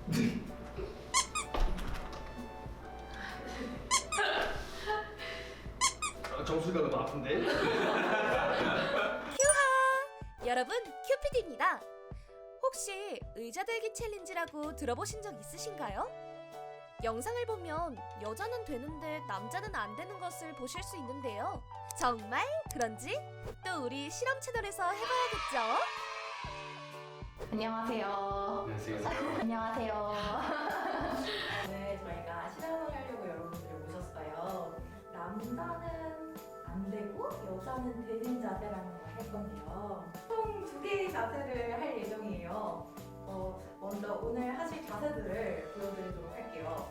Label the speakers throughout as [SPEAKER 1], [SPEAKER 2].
[SPEAKER 1] 정수리가 너무 아픈데?
[SPEAKER 2] 큐하! 여러분, 큐피디입니다. 혹시 의자 들기 챌린지라고 들어보신 적 있으신가요? 영상을 보면 여자는 되는데 남자는 안 되는 것을 보실 수 있는데요. 정말 그런지 또 우리 실험 채널에서 해봐야겠죠?
[SPEAKER 3] 안녕하세요.
[SPEAKER 1] 안녕하세요.
[SPEAKER 3] 안녕하세요. 오늘 저희가 실험을 하려고 여러분들을 모셨어요. 남자는 안 되고 여자는 되는 자세라는 걸 할 건데요. 총 2개의 자세를 할 예정이에요. 먼저 오늘 하실 자세들을 보여드리도록 할게요.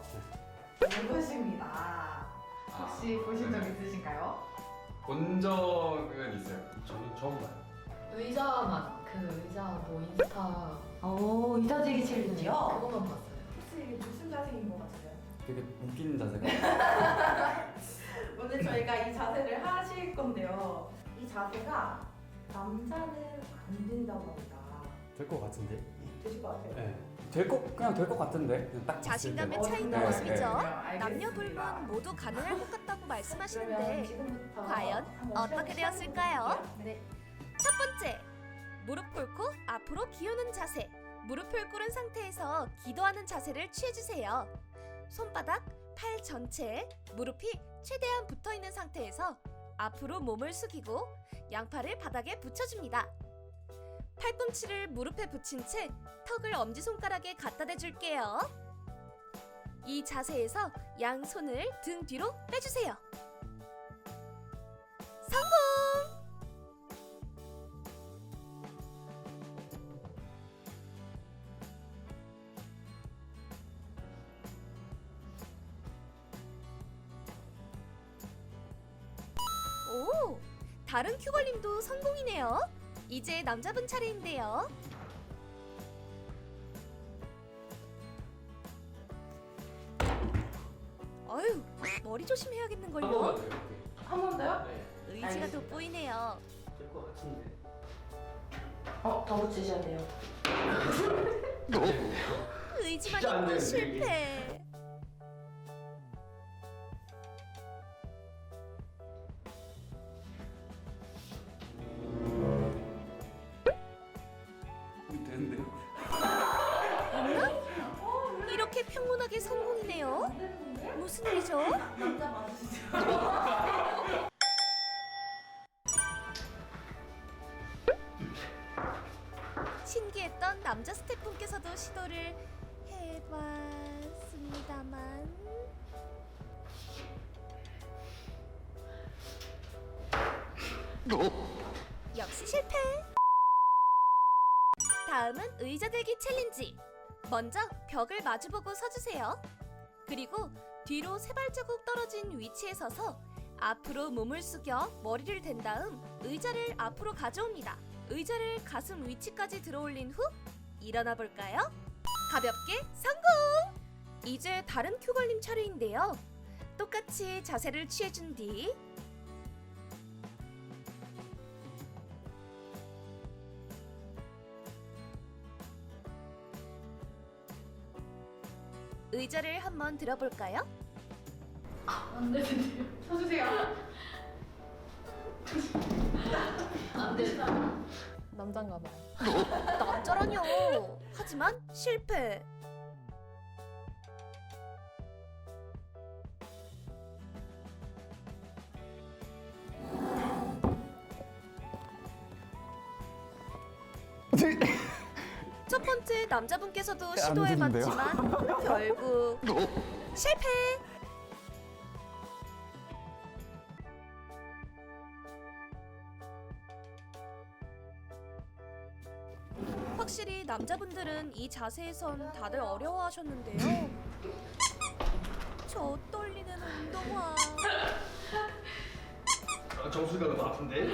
[SPEAKER 3] 이것입니다. 혹시 보신 적 있으신가요?
[SPEAKER 4] 본 적은 있어요.
[SPEAKER 1] 저는 처음 봐요.
[SPEAKER 5] 의자만 그 의자 뭐 인스타
[SPEAKER 3] 오, 의자 들기 챌린지요?
[SPEAKER 5] 그거만 봤어요.
[SPEAKER 3] 혹시 이게 무슨 자세인 것 같아요?
[SPEAKER 4] 되게 웃기는 자세가.
[SPEAKER 3] 오늘 저희가 이 자세를 하실 건데요. 이 자세가 남자는 안 된다고 합니다.
[SPEAKER 6] 될 것 같은데?
[SPEAKER 3] 되실 것 같아요?
[SPEAKER 6] 네. 그냥 될 것 같은데? 그냥 딱 봤을
[SPEAKER 2] 자신감의
[SPEAKER 6] 때는.
[SPEAKER 2] 차이인
[SPEAKER 3] 네,
[SPEAKER 2] 모습이죠.
[SPEAKER 3] 네, 알겠습니다.
[SPEAKER 2] 남녀 불문 모두 가능할 것 같다고
[SPEAKER 3] 그러면
[SPEAKER 2] 말씀하시는데
[SPEAKER 3] 지금부터
[SPEAKER 2] 과연
[SPEAKER 3] 한번
[SPEAKER 2] 어떻게
[SPEAKER 3] 시작해
[SPEAKER 2] 되었을까요?
[SPEAKER 3] 볼게요. 네.
[SPEAKER 2] 첫 번째, 무릎 꿇고 앞으로 기우는 자세. 무릎을 꿇은 상태에서 기도하는 자세를 취해주세요. 손바닥, 팔 전체에 무릎이 최대한 붙어있는 상태에서 앞으로 몸을 숙이고 양팔을 바닥에 붙여줍니다. 팔꿈치를 무릎에 붙인 채 턱을 엄지손가락에 갖다 대줄게요. 이 자세에서 양손을 등 뒤로 빼주세요. 성공! 오! 다른 큐걸님도 성공이네요. 이제 남자분 차례인데요. 어휴, 머리 조심해야겠는걸요?
[SPEAKER 3] 한 번 더요?
[SPEAKER 1] 네.
[SPEAKER 2] 의지가
[SPEAKER 3] 알겠습니다.
[SPEAKER 2] 돋보이네요.
[SPEAKER 1] 될 것 같은데.
[SPEAKER 3] 더 붙이셔야 돼요.
[SPEAKER 2] 의지만
[SPEAKER 1] 진짜 안
[SPEAKER 2] 있고
[SPEAKER 1] 되는데,
[SPEAKER 2] 실패.
[SPEAKER 6] 되는데요?
[SPEAKER 2] 이렇게 평온하게 성공이네요.
[SPEAKER 3] 안 되는데?
[SPEAKER 2] 무슨 일이죠?
[SPEAKER 3] 남자 맞으시죠?
[SPEAKER 2] 신기했던 남자 스태프분께서도 시도를 해봤습니다만 역시 실패. 다음은 의자 들기 챌린지. 먼저 벽을 마주보고 서주세요. 그리고 뒤로 세 발자국 떨어진 위치에 서서 앞으로 몸을 숙여 머리를 댄 다음 의자를 앞으로 가져옵니다. 의자를 가슴 위치까지 들어올린 후 일어나 볼까요? 가볍게 성공! 이제 다른 큐걸님 차례인데요. 똑같이 자세를 취해준 뒤 의자를 한번 들어볼까요?
[SPEAKER 5] 안 되는데요. 서주세요. 안 되시나? 남잔가 봐요.
[SPEAKER 2] 남자라뇨. 하지만 실패. 첫 번째 남자분께서도 시도해봤지만 결국 실패. 확실히 남자분들은 이 자세에선 다들 어려워하셨는데요. 저 떨리는 운동화.
[SPEAKER 1] 정수리가 너무 아픈데?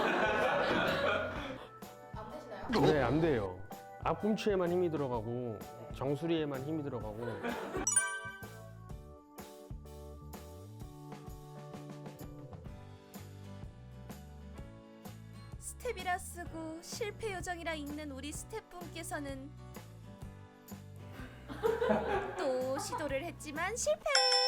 [SPEAKER 3] 안 되시나요?
[SPEAKER 6] 네, 안 돼요. 앞꿈치에만 힘이 들어가고 정수리에만 힘이 들어가고.
[SPEAKER 2] 스텝이라 쓰고 실패 요정이라 읽는 우리 스태프분께서는 시도를 했지만 실패.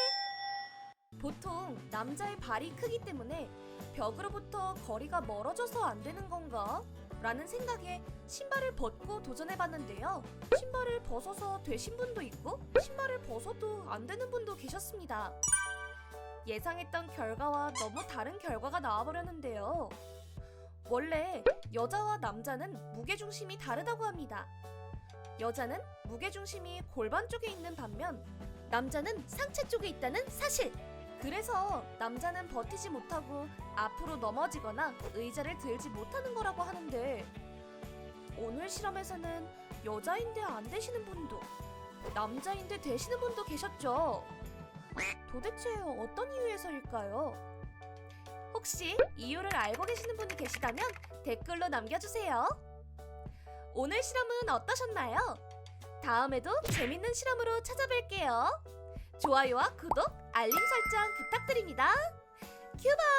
[SPEAKER 2] 보통 남자의 발이 크기 때문에 벽으로부터 거리가 멀어져서 안 되는 건가? 라는 생각에 신발을 벗고 도전해봤는데요. 신발을 벗어서 되신 분도 있고 신발을 벗어도 안 되는 분도 계셨습니다. 예상했던 결과와 너무 다른 결과가 나와버렸는데요. 원래 여자와 남자는 무게중심이 다르다고 합니다. 여자는 무게중심이 골반 쪽에 있는 반면 남자는 상체 쪽에 있다는 사실! 그래서 남자는 버티지 못하고 앞으로 넘어지거나 의자를 들지 못하는 거라고 하는데 오늘 실험에서는 여자인데 안 되시는 분도 남자인데 되시는 분도 계셨죠. 도대체 어떤 이유에서일까요? 혹시 이유를 알고 계시는 분이 계시다면 댓글로 남겨주세요. 오늘 실험은 어떠셨나요? 다음에도 재밌는 실험으로 찾아뵐게요. 좋아요와 구독, 알림 설정 부탁드립니다. 큐바!